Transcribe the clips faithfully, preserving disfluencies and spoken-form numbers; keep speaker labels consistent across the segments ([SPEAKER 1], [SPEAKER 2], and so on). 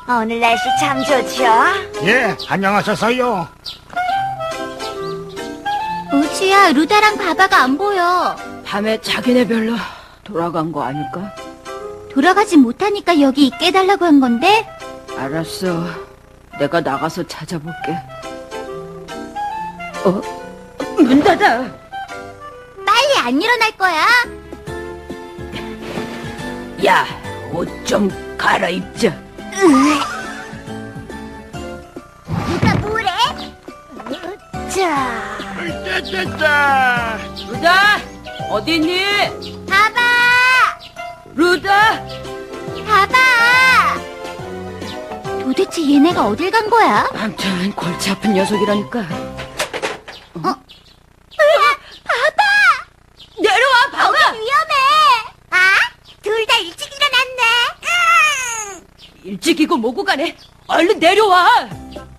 [SPEAKER 1] 오늘 날씨 참 좋죠?
[SPEAKER 2] 예, 안녕하셨어요.
[SPEAKER 3] 우주야, 루다랑 바바가 안 보여.
[SPEAKER 4] 밤에 자기네 별로 돌아간 거 아닐까?
[SPEAKER 3] 돌아가지 못하니까 여기 있게 해달라고 한 건데?
[SPEAKER 4] 알았어. 내가 나가서 찾아볼게. 어? 문 닫아!
[SPEAKER 3] 빨리 안 일어날 거야.
[SPEAKER 4] 야, 옷 좀 갈아입자.
[SPEAKER 3] 누가 뭐래?
[SPEAKER 1] 자,
[SPEAKER 2] 짜짜짜.
[SPEAKER 4] 루다! 어디 있니?
[SPEAKER 3] 바바!
[SPEAKER 4] 루다!
[SPEAKER 3] 바바! 도대체 얘네가 어딜 간 거야?
[SPEAKER 4] 암튼 골치 아픈 녀석이라니까.
[SPEAKER 3] 어? 바바!
[SPEAKER 4] 내려와, 바바!
[SPEAKER 3] 위험해! 아? 둘 다 일찍 일어났네.
[SPEAKER 4] 일찍이고 뭐고 가네. 얼른 내려와!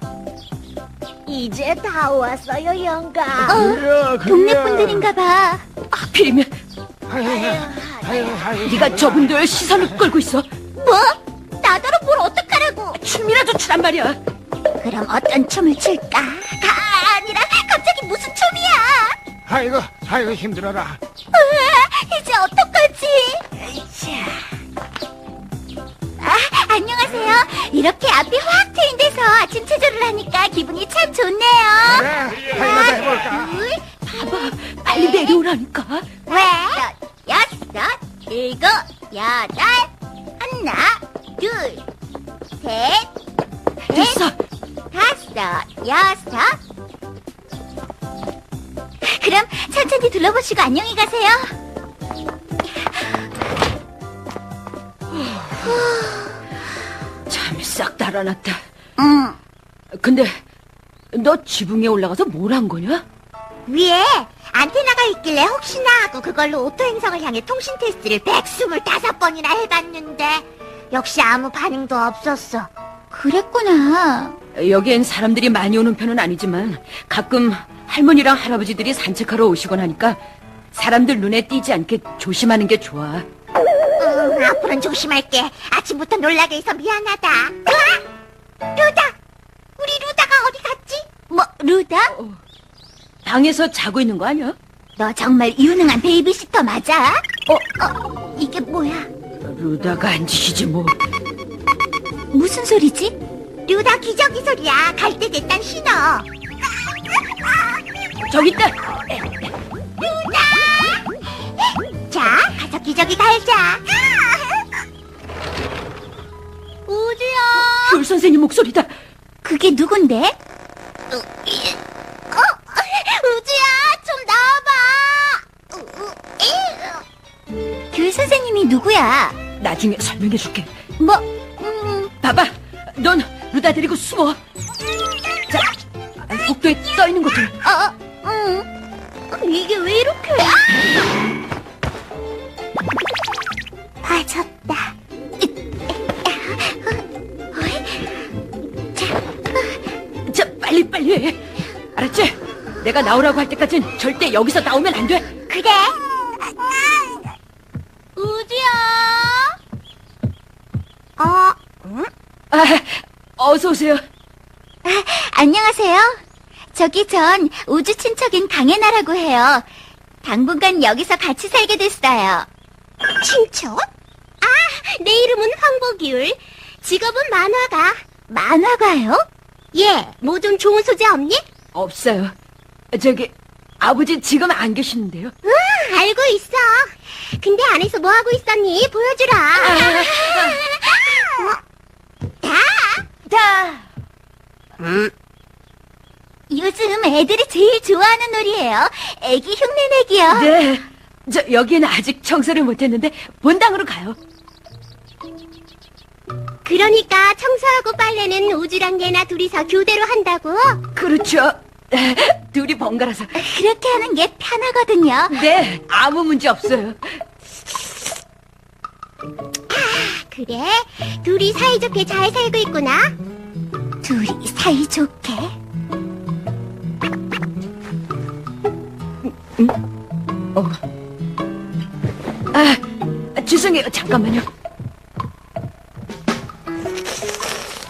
[SPEAKER 1] 이제 다 왔어요, 영감.
[SPEAKER 3] 어?
[SPEAKER 2] 그래,
[SPEAKER 3] 동네 분들인가 봐.
[SPEAKER 4] 하필이면
[SPEAKER 2] 아유, 아유, 아유.
[SPEAKER 4] 네가 저분들 시선을 끌고 있어.
[SPEAKER 3] 뭐? 나더러 뭘 어떡하라고?
[SPEAKER 4] 춤이라도 추란 말이야.
[SPEAKER 3] 그럼 어떤 춤을 출까? 아, 아니라 갑자기 무슨 춤이야?
[SPEAKER 2] 아이고, 아이고 힘들어라.
[SPEAKER 3] 으아, 이제 어떡하지?
[SPEAKER 1] 자,
[SPEAKER 3] 아, 안녕하세요. 이렇게 앞이 확 트인 데서 아침 체조를 하니까 기분이 참 좋네요.
[SPEAKER 2] 그래, 아이고 해볼까.
[SPEAKER 3] 둘,
[SPEAKER 4] 봐봐, 빨리 내려오라니까.
[SPEAKER 3] 왜? 여섯, 일곱, 여덟, 하나, 둘, 셋,
[SPEAKER 4] 됐어.
[SPEAKER 3] 다섯, 여섯. 그럼 천천히 둘러보시고 안녕히 가세요.
[SPEAKER 4] 잠이 싹 달아났다.
[SPEAKER 3] 응.
[SPEAKER 4] 근데 너 지붕에 올라가서 뭘 한 거냐?
[SPEAKER 3] 위에 안테나가 있길래 혹시나 하고 그걸로 오토 행성을 향해 통신 테스트를 백이십오 번이나 해봤는데 역시 아무 반응도 없었어. 그랬구나.
[SPEAKER 4] 여기엔 사람들이 많이 오는 편은 아니지만 가끔 할머니랑 할아버지들이 산책하러 오시곤 하니까 사람들 눈에 띄지 않게 조심하는 게 좋아.
[SPEAKER 3] 응, 앞으로는 조심할게. 아침부터 놀라게 해서 미안하다. 으아! 루다! 우리 루다가 어디 갔지? 뭐, 루다?
[SPEAKER 4] 방에서 자고 있는 거 아니야?
[SPEAKER 3] 너 정말 유능한 베이비시터 맞아? 어, 어, 이게 뭐야?
[SPEAKER 4] 루다가 안 지시지 뭐.
[SPEAKER 3] 무슨 소리지? 루다 기저귀 소리야. 갈 때 됐단 신호.
[SPEAKER 4] 저기 있다.
[SPEAKER 3] 루다! 자, 가서 기저귀 갈자. 우주야!
[SPEAKER 4] 귤 선생님 목소리다.
[SPEAKER 3] 그게 누군데? 어? 우주야, 좀 나와봐. 귤 선생님이 누구야?
[SPEAKER 4] 나중에 설명해 줄게.
[SPEAKER 3] 뭐, 음,
[SPEAKER 4] 봐봐, 넌 루다 데리고 숨어. 자, 복도에 떠 있는 것들.
[SPEAKER 3] 어, 음. 이게 왜 이렇게? 빠졌다.
[SPEAKER 4] 자, 빨리 빨리 해. 알았지? 내가 나오라고 할 때까진 절대 여기서 나오면 안 돼.
[SPEAKER 3] 그래. 우주야. 어, 응?
[SPEAKER 4] 아, 어서 오세요.
[SPEAKER 3] 아, 안녕하세요. 저기 전 우주 친척인 강혜나라고 해요. 당분간 여기서 같이 살게 됐어요. 친척? 아, 내 이름은 황보기울. 직업은 만화가. 만화가요? 예, 뭐 좀 좋은 소재 없니?
[SPEAKER 4] 없어요. 저기 아버지 지금 안 계시는데요.
[SPEAKER 3] 응, 알고 있어. 근데 안에서 뭐 하고 있었니? 보여주라. 어? 다.
[SPEAKER 4] 자,
[SPEAKER 3] 음. 요즘 애들이 제일 좋아하는 놀이에요. 애기 흉내내기요.
[SPEAKER 4] 네. 저 여기는 아직 청소를 못했는데 본당으로 가요.
[SPEAKER 3] 그러니까 청소하고 빨래는 우주랑 얘나 둘이서 교대로 한다고?
[SPEAKER 4] 그렇죠. 둘이 번갈아서.
[SPEAKER 3] 그렇게 하는 게 편하거든요.
[SPEAKER 4] 네, 아무 문제 없어요.
[SPEAKER 3] 그래? 둘이 사이좋게 잘 살고 있구나? 둘이 사이좋게?
[SPEAKER 4] 어. 아, 죄송해요. 잠깐만요.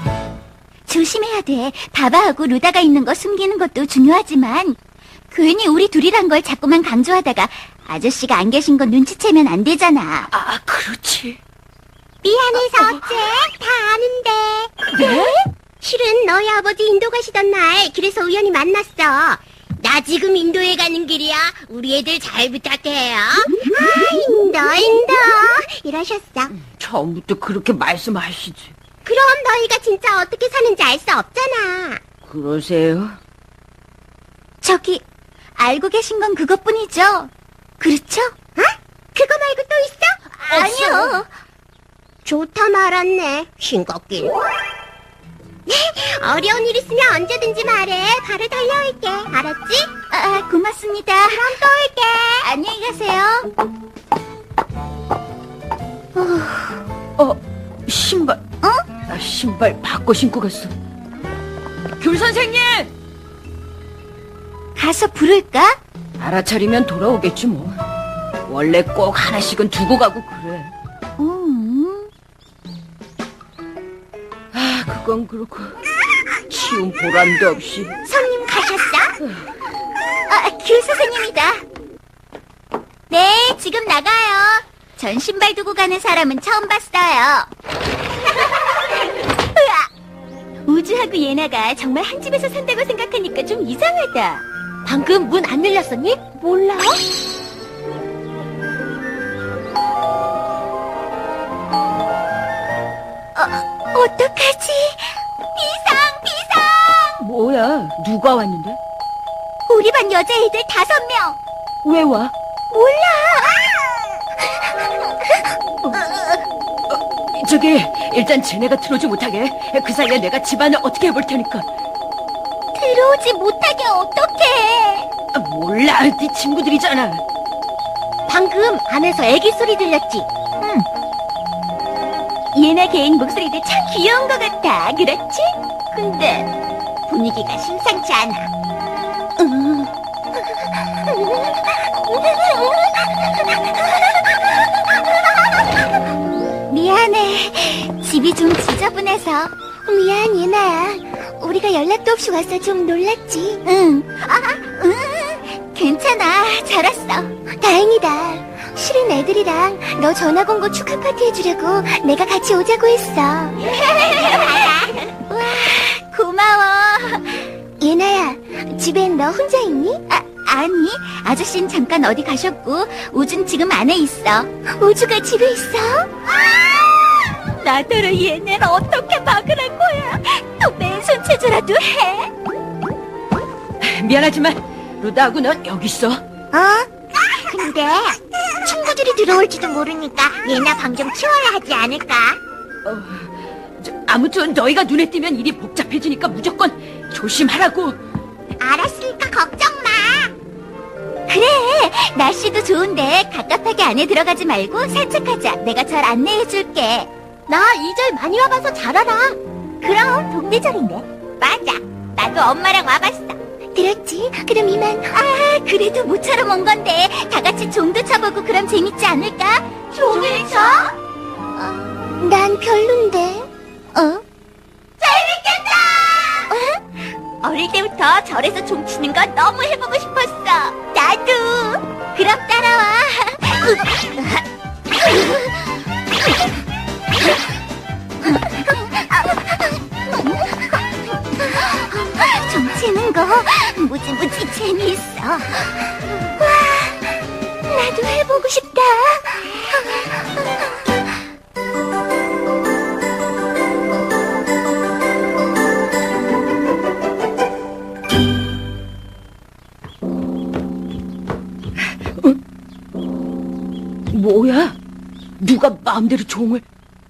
[SPEAKER 3] 조심해야 돼. 바바하고 루다가 있는 거 숨기는 것도 중요하지만 괜히 우리 둘이란 걸 자꾸만 강조하다가 아저씨가 안 계신 거 눈치채면 안 되잖아.
[SPEAKER 4] 아, 그렇지.
[SPEAKER 3] 미안해서 어째? 다 아는데.
[SPEAKER 4] 네?
[SPEAKER 3] 실은 너희 아버지 인도 가시던 날 그래서 우연히 만났어. 나 지금 인도에 가는 길이야. 우리 애들 잘 부탁해요. 아, 인도 인도 이러셨어.
[SPEAKER 4] 처음부터 그렇게 말씀하시지.
[SPEAKER 3] 그럼 너희가 진짜 어떻게 사는지 알 수 없잖아.
[SPEAKER 4] 그러세요?
[SPEAKER 3] 저기 알고 계신 건 그것뿐이죠. 그렇죠? 어? 그거 말고 또 있어? 아니요. 좋다 말았네. 싱겁긴. 어려운 일 있으면 언제든지 말해. 바로 달려올게. 알았지? 아, 고맙습니다. 그럼 또 올게. 안녕히 가세요.
[SPEAKER 4] 어, 신발.
[SPEAKER 3] 어?
[SPEAKER 4] 아, 신발 바꿔 신고 갔어. 귤 선생님!
[SPEAKER 3] 가서 부를까?
[SPEAKER 4] 알아차리면 돌아오겠지 뭐. 원래 꼭 하나씩은 두고 가고 그래.
[SPEAKER 3] 음.
[SPEAKER 4] 아, 그건 그렇고 치운 보람도 없이.
[SPEAKER 3] 손님 가셨어? 아, 귤 선생님이다. 네, 지금 나가요. 전 신발 두고 가는 사람은 처음 봤어요. 으아! 우주하고 예나가 정말 한 집에서 산다고 생각하니까 좀 이상하다. 방금 문 안 열렸었니? 몰라. 어, 어떡하지? 비상, 비상!
[SPEAKER 4] 뭐야? 누가 왔는데?
[SPEAKER 3] 우리 반 여자애들 다섯 명.
[SPEAKER 4] 왜 와?
[SPEAKER 3] 몰라.
[SPEAKER 4] 저기 일단 쟤네가 들어오지 못하게 그 사이에 내가 집안을 어떻게 해볼 테니까.
[SPEAKER 3] 들어오지 못하게 어떡해.
[SPEAKER 4] 아, 몰라, 네 친구들이잖아.
[SPEAKER 3] 방금 안에서 애기 소리 들렸지? 응. 예나 개인 목소리도 참 귀여운 것 같아. 그렇지? 근데 분위기가 심상치 않아. 음. 미안해. 집이 좀 지저분해서. 미안, 예나야. 우리가 연락도 없이 와서 좀 놀랐지. 응. 아, 응. 괜찮아. 잘 왔어. 다행이다. 실은 애들이랑 너 전학 온 거 축하 파티 해주려고 내가 같이 오자고 했어. 와, 고마워. 예나야, 집엔 너 혼자 있니? 아, 아니. 아저씨는 잠깐 어디 가셨고 우준 지금 안에 있어. 우주가 집에 있어? 나더러 얘네를 어떻게 막으란 거야? 또 맨손체조라도 해?
[SPEAKER 4] 미안하지만 루다하고 넌 여기 있어.
[SPEAKER 3] 어? 근데 친구들이 들어올지도 모르니까 얘나 방 좀 치워야 하지 않을까?
[SPEAKER 4] 어, 저, 아무튼 너희가 눈에 띄면 일이 복잡해지니까 무조건 조심하라고.
[SPEAKER 3] 알았으니까 걱정 마. 그래, 날씨도 좋은데 갑갑하게 안에 들어가지 말고 산책하자. 내가 절 안내해줄게. 나 이 절 많이 와봐서 잘 알아. 그럼 동네절인데. 맞아, 나도 엄마랑 와봤어. 들었지? 그럼 이만. 아, 그래도 모처럼 온 건데 다 같이 종도 쳐보고 그럼 재밌지 않을까? 종을 쳐? 어, 난 별론데. 어? 재밌겠다! 어? 어릴 때부터 절에서 종 치는 거 너무 해보고 싶었어. 나도. 그럼 따라와. 종 치는 거 무지무지 재미있어. 와, 나도 해보고 싶다.
[SPEAKER 4] 뭐야? 누가 마음대로 종을?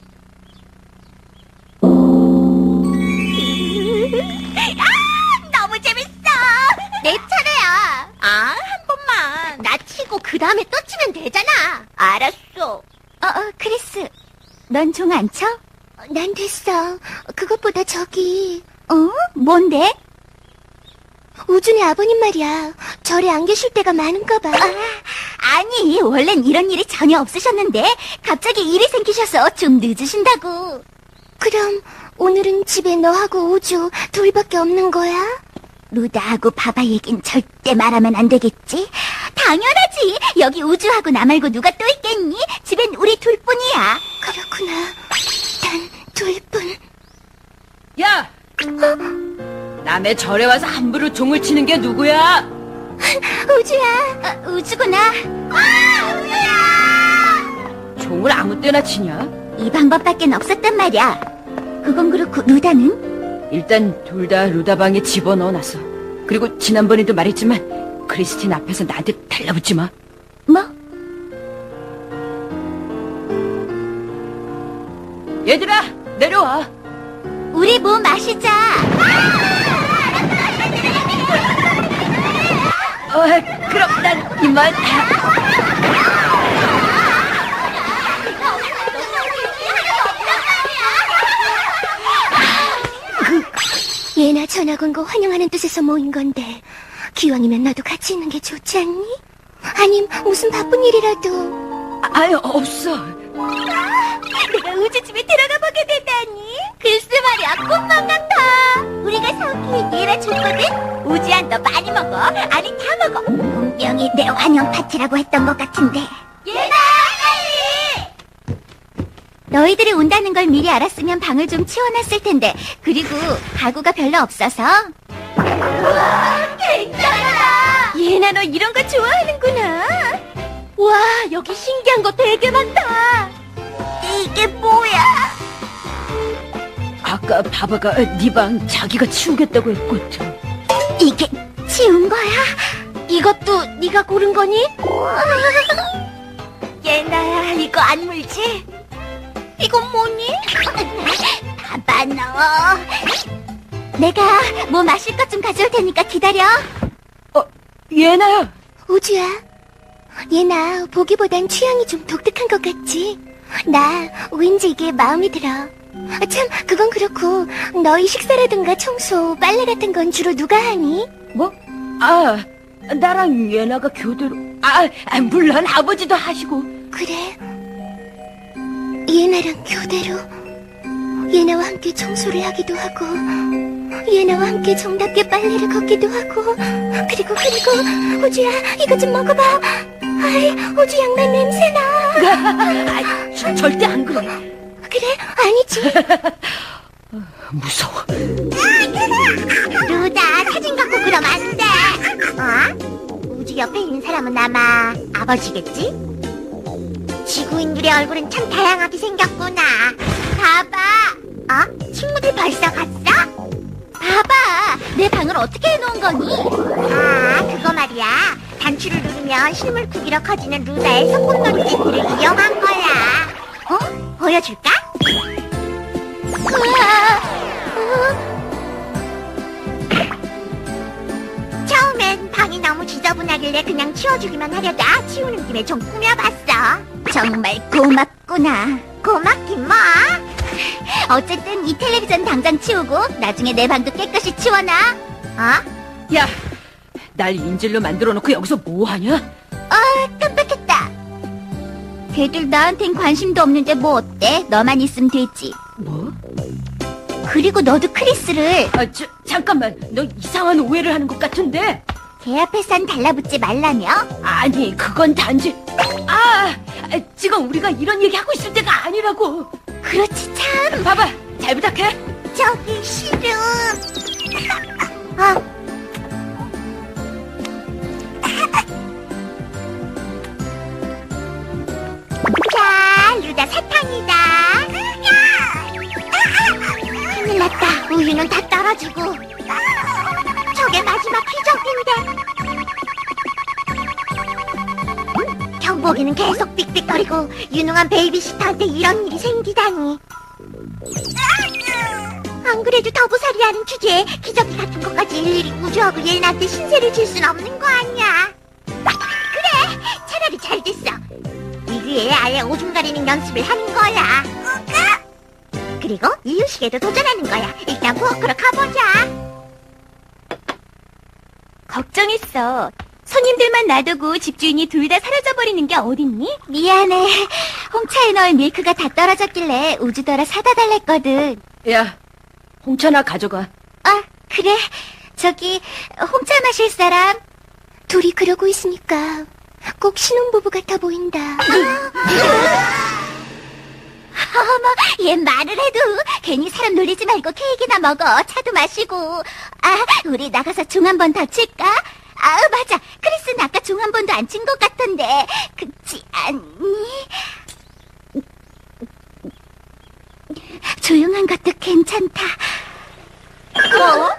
[SPEAKER 3] 너무 재밌어. 내 차례야. 아, 한 번만. 나 치고 그 다음에 또 치면 되잖아. 알았어. 어, 어, 크리스. 넌 종 안 쳐? 난 됐어. 그것보다 저기. 어? 뭔데? 우준의 아버님 말이야. 절에 안 계실 때가 많은가 봐. 아, 아니, 원래는 이런 일이 전혀 없으셨는데 갑자기 일이 생기셔서 좀 늦으신다고. 그럼 오늘은 집에 너하고 우주 둘밖에 없는 거야? 루다하고 바바 얘긴 절대 말하면 안 되겠지? 당연하지. 여기 우주하고 나 말고 누가 또 있겠니? 집엔 우리 둘뿐이야. 그렇구나. 단 둘뿐.
[SPEAKER 4] 야! 남의 절에 와서 함부로 종을 치는 게 누구야?
[SPEAKER 3] 우주야. 어, 우주구나. 아, 우주야!
[SPEAKER 4] 종을 아무 때나 치냐?
[SPEAKER 3] 이 방법밖엔 없었단 말이야. 그건 그렇고 루다는?
[SPEAKER 4] 일단 둘 다 루다 방에 집어넣어놨어. 그리고 지난번에도 말했지만 크리스틴 앞에서 나한테 달라붙지 마.
[SPEAKER 3] 뭐?
[SPEAKER 4] 얘들아, 내려와.
[SPEAKER 3] 우리 뭐 마시자.
[SPEAKER 4] 어, 그럼 난 이만.
[SPEAKER 3] 얘나 전학 온 거 환영하는 뜻에서 모인 건데 기왕이면 너도 같이 있는 게 좋지 않니? 아님 무슨 바쁜 일이라도.
[SPEAKER 4] 아유, 없어.
[SPEAKER 3] 내가 우주 집에 들어가 보게 되다니. 글쎄 말이야, 꿈만 같아. 우리가 사오기에 얘나 줬거든. 우주야, 너 많이 먹어. 아니 다 먹어. 분명히 내 환영 파티라고 했던 것 같은데. 얘나 빨리. 너희들이 온다는 걸 미리 알았으면 방을 좀 치워놨을 텐데. 그리고 가구가 별로 없어서. 우와, 괜찮아. 얘나 너 이런 거 좋아하는구나. 와, 여기 신기한 거 되게 많다. 이게 뭐야?
[SPEAKER 4] 아까 바바가 네 방 자기가 치우겠다고 했거든.
[SPEAKER 3] 이게 치운 거야? 이것도 네가 고른 거니? 얘나야, 이거 안 물지? 이건 뭐니? 봐봐 너. 내가 뭐 마실 것 좀 가져올 테니까 기다려.
[SPEAKER 4] 어, 얘나야.
[SPEAKER 3] 우주야, 얘나 보기보단 취향이 좀 독특한 것 같지? 나 왠지 이게 마음에 들어. 아, 참, 그건 그렇고 너희 식사라든가 청소, 빨래 같은 건 주로 누가 하니?
[SPEAKER 4] 뭐? 아, 나랑 얘나가 교대로. 아, 아, 물론 아버지도 하시고.
[SPEAKER 3] 그래? 얘나랑 교대로 얘나와 함께 청소를 하기도 하고 얘나와 함께 정답게 빨래를 걷기도 하고 그리고 그리고 우주야, 이거 좀 먹어봐. 아이, 우주 양말 냄새나.
[SPEAKER 4] 아, 저, 절대 안 그래.
[SPEAKER 3] 그래? 아니지.
[SPEAKER 4] 무서워.
[SPEAKER 3] 루다, 사진 갖고 그러면 안 돼. 어? 우주 옆에 있는 사람은 아마 아버지겠지? 지구인들의 얼굴은 참 다양하게 생겼구나. 봐봐. 어? 친구들 벌써 갔어? 봐봐. 내 방을 어떻게 해놓은 거니? 아, 그거 말이야. 단추를 누르면 실물 크기로 커지는 루다의 소꿉놀이 세트를 이용한 거야. 어? 보여줄까? 우와. 어? 처음엔 방이 너무 지저분하길래 그냥 치워주기만 하려다 치우는 김에 좀 꾸며봤어. 정말 고맙구나. 고맙긴 뭐. 어쨌든 이 텔레비전 당장 치우고 나중에 내 방도 깨끗이 치워놔. 어?
[SPEAKER 4] 야, 날 인질로 만들어 놓고 여기서 뭐 하냐?
[SPEAKER 3] 아, 깜빡했다. 걔들 나한텐 관심도 없는데 뭐 어때? 너만 있으면 되지.
[SPEAKER 4] 뭐?
[SPEAKER 3] 그리고 너도 크리스를
[SPEAKER 4] 아, 저, 잠깐만. 너 이상한 오해를 하는 것 같은데?
[SPEAKER 3] 걔 앞에선 달라붙지 말라며?
[SPEAKER 4] 아니, 그건 단지. 아, 아, 지금 우리가 이런 얘기 하고 있을 때가 아니라고.
[SPEAKER 3] 그렇지 참.
[SPEAKER 4] 봐봐, 잘 부탁해.
[SPEAKER 3] 저기 싫음. 아. 자, 루다 사탕이다. 큰일 났다. 우유는 다 떨어지고. 저게 마지막 기적인데. 경복이는 계속 삑삑거리고 유능한 베이비시터한테 이런 일이 생기다니. 안 그래도 더부살이라는 주제에 기저귀 같은 것까지 일일이 우주하고 얘네한테 신세를 질 순 없는 거 아니야. 그래, 차라리 잘 됐어. 이그에 아예 오줌 가리는 연습을 하는 거야. 그리고 이유식에도 도전하는 거야. 일단 부엌으로 가보자. 걱정했어. 손님들만 놔두고 집주인이 둘 다 사라져버리는 게 어딨니? 미안해. 홍차에 넣을 밀크가 다 떨어졌길래 우주더라 사다 달랬거든.
[SPEAKER 4] 야, 홍차나 가져가.
[SPEAKER 3] 아, 그래. 저기, 홍차 마실 사람? 둘이 그러고 있으니까 꼭 신혼부부 같아 보인다. 어머, 얘 말을 해도 괜히 사람 놀리지 말고 케이크나 먹어. 차도 마시고. 아, 우리 나가서 종 한 번 더 칠까? 아, 맞아. 크리스는 아까 종 한 번도 안 친 것 같던데. 그렇지 않니? 조용한 것도 괜찮다. 뭐?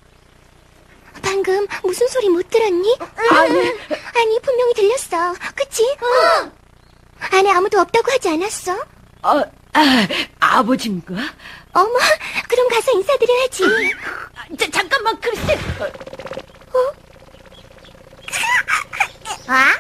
[SPEAKER 3] 방금 무슨 소리 못 들었니? 아니, 아니 분명히 들렸어. 그치? 어. 안에 아무도 없다고 하지 않았어?
[SPEAKER 4] 어, 아, 아버지인가?
[SPEAKER 3] 어머, 그럼 가서 인사드려야지.
[SPEAKER 4] 자, 잠깐만, 크리스.
[SPEAKER 3] 아?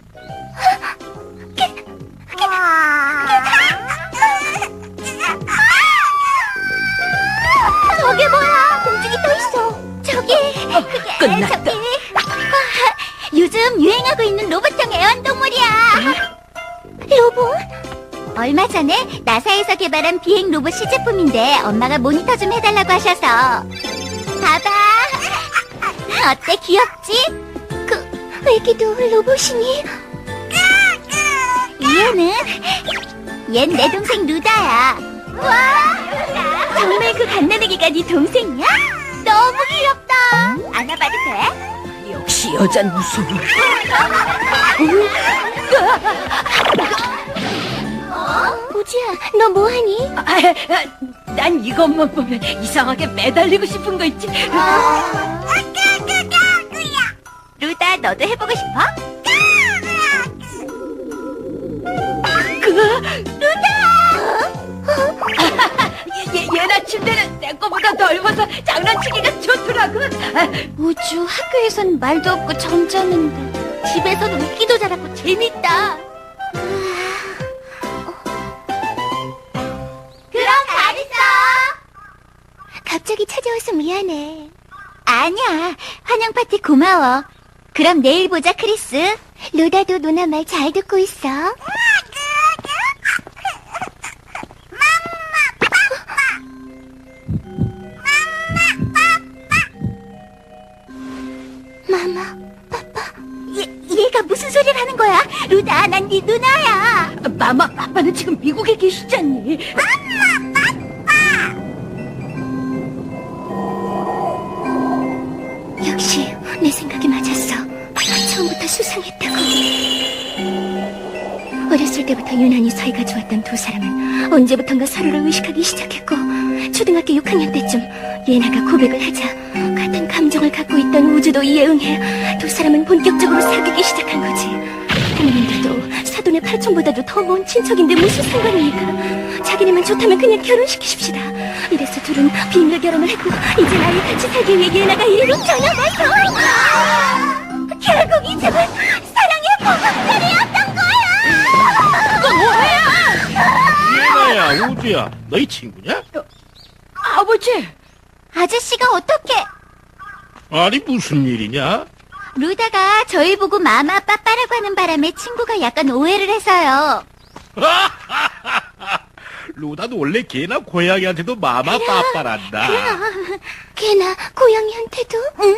[SPEAKER 3] 저게 뭐야? 공중이 떠 있어. 저기, 그게
[SPEAKER 4] 끝났다.
[SPEAKER 3] 저기. 아, 요즘 유행하고 있는 로봇형 애완동물이야. 로봇? 얼마 전에 나사에서 개발한 비행 로봇 시제품인데 엄마가 모니터 좀 해달라고 하셔서. 봐봐. 어때, 귀엽지? 그, 애기도 로봇이니? 얘는? 얜 내 동생 루다야. 와, 정말 그 갓난아기가 네 동생이야? 너무 귀엽다. 안아봐도 돼?
[SPEAKER 4] 역시 여잔 무서워.
[SPEAKER 3] 우주야, 너 뭐하니?
[SPEAKER 4] 아, 아, 난 이것만 보면 이상하게 매달리고 싶은 거 있지.
[SPEAKER 3] 루다, 너도 해보고 싶어?
[SPEAKER 4] 얘, 얘나 침대는 내 거보다 넓어서 장난치기가 좋더라고. 아,
[SPEAKER 3] 우주, 학교에선 말도 없고 점잖은데 집에서는 웃기도 잘하고 재밌다. 그럼 잘 있어. 갑자기 찾아와서 미안해. 아니야. 환영 파티 고마워. 그럼 내일 보자, 크리스. 루다도 누나 말 잘 듣고 있어. 마마, 파파. 얘, 얘가 무슨 소리를 하는 거야? 루다, 난 네 누나야.
[SPEAKER 4] 마마, 아빠는 지금 미국에 계시지 않니?
[SPEAKER 3] 역시 내 생각이 맞았어. 처음부터 수상했다고. 어렸을 때부터 유난히 사이가 좋았던 두 사람은 언제부턴가 서로를 의식하기 시작했고, 초등학교 육 학년 때쯤 예나가 고백을 하자 같은 감정을 갖고 있던 우주도 이에 응해 두 사람은 본격적으로 사귀기 시작한 거지. 부모님들도 사돈의 팔촌보다도 더 먼 친척인데 무슨 상관이니까 자기네만 좋다면 그냥 결혼시키십시다. 이래서 둘은 비밀 결혼을 했고 이제 아예 같이 살기 위해 예나가 이리로 전화와서 결국 이 집은 사랑의 보금자리였던 거야.
[SPEAKER 4] 그거 뭐야?
[SPEAKER 2] 예나야, 우주야, 너희 친구냐?
[SPEAKER 4] 아버지.
[SPEAKER 3] 아저씨가 어떻게?
[SPEAKER 2] 아니, 무슨 일이냐?
[SPEAKER 3] 루다가 저희 보고 마마 빠빠라고 하는 바람에 친구가 약간 오해를 해서요.
[SPEAKER 2] 루다도 원래 걔나 고양이한테도 마마 빠빠란다.
[SPEAKER 3] 걔나 고양이한테도? 응.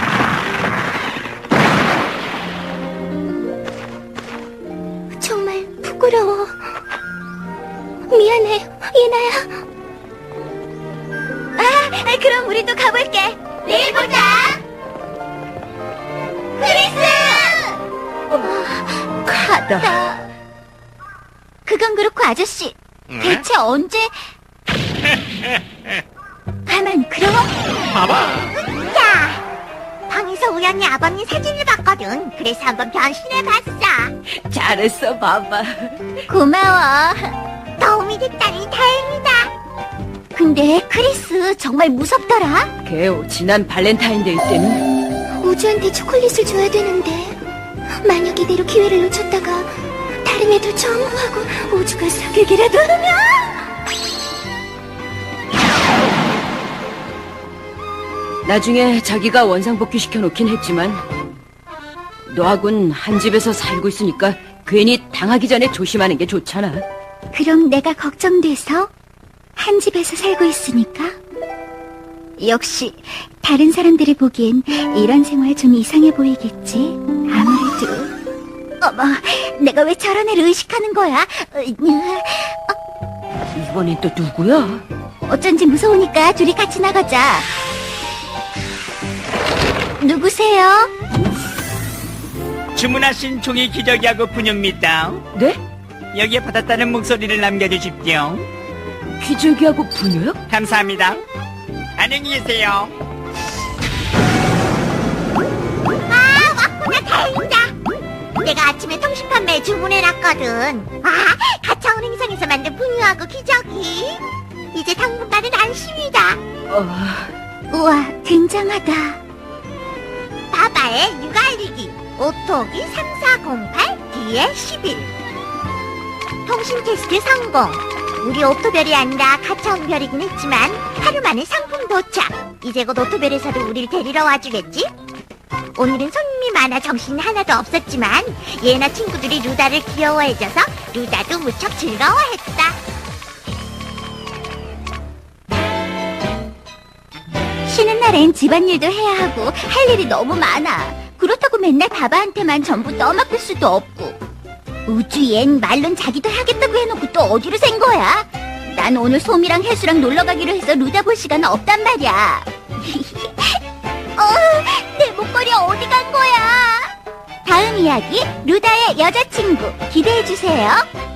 [SPEAKER 3] 정말 부끄러워. 미안해, 예나야. 아, 그럼 우리도 가볼게. 내일 보자. 크리스!
[SPEAKER 4] 가다.
[SPEAKER 3] 그건 그렇고 아저씨,
[SPEAKER 2] 응?
[SPEAKER 3] 대체 언제? 가만, 그럼?
[SPEAKER 2] 봐봐.
[SPEAKER 3] 야, 방에서 우연히 아버님 사진을 봤거든. 그래서 한번 변신해봤어.
[SPEAKER 4] 잘했어, 마마.
[SPEAKER 3] 고마워. 도움이 됐다니 다행이다. 근데 크리스 정말 무섭더라.
[SPEAKER 4] 걔 지난 발렌타인데이 때는
[SPEAKER 3] 우주한테 초콜릿을 줘야 되는데 만약 이대로 기회를 놓쳤다가 다른 애도 전부하고 우주가 사귀기라도 하면.
[SPEAKER 4] 나중에 자기가 원상복귀 시켜놓긴 했지만 너하고는 한 집에서 살고 있으니까 괜히 당하기 전에 조심하는 게 좋잖아.
[SPEAKER 3] 그럼 내가 걱정돼서 한 집에서 살고 있으니까? 역시 다른 사람들이 보기엔 이런 생활 좀 이상해 보이겠지. 아무래도. 어머, 내가 왜 저런 애를 의식하는 거야?
[SPEAKER 4] 이번엔 또 누구야?
[SPEAKER 3] 어쩐지 무서우니까 둘이 같이 나가자. 누구세요?
[SPEAKER 5] 주문하신 종이 기저귀하고 분유입니다.
[SPEAKER 4] 네?
[SPEAKER 5] 여기에 받았다는 목소리를 남겨주십시오.
[SPEAKER 4] 기저귀하고 분유요?
[SPEAKER 5] 감사합니다. 안녕히 계세요.
[SPEAKER 1] 아, 왔구나. 다행이다. 내가 아침에 통신 판매에 주문해놨거든. 아, 가차원 행성에서 만든 분유하고 기저귀. 이제 당분간은 안심이다.
[SPEAKER 4] 어...
[SPEAKER 3] 우와, 굉장하다.
[SPEAKER 1] 바바의 육아 알리기. 오토기 삼사공팔 디에 십일. 통신 테스트 성공. 우리 오토별이 아니라 가차원 별이긴 했지만 하루 만에 상품 도착. 이제 곧 오토별에서도 우릴 데리러 와주겠지? 오늘은 손님이 많아 정신이 하나도 없었지만 얘나 친구들이 루다를 귀여워해줘서 루다도 무척 즐거워했다.
[SPEAKER 3] 쉬는 날엔 집안일도 해야 하고 할 일이 너무 많아. 그렇다고 맨날 바바한테만 전부 떠맡길 수도 없고. 우주엔 말론 자기도 하겠다고 해놓고 또 어디로 샌 거야? 난 오늘 솜이랑 혜수랑 놀러 가기로 해서 루다 볼 시간 없단 말이야. 어, 내 목걸이 어디 간 거야? 다음 이야기 루다의 여자친구 기대해주세요.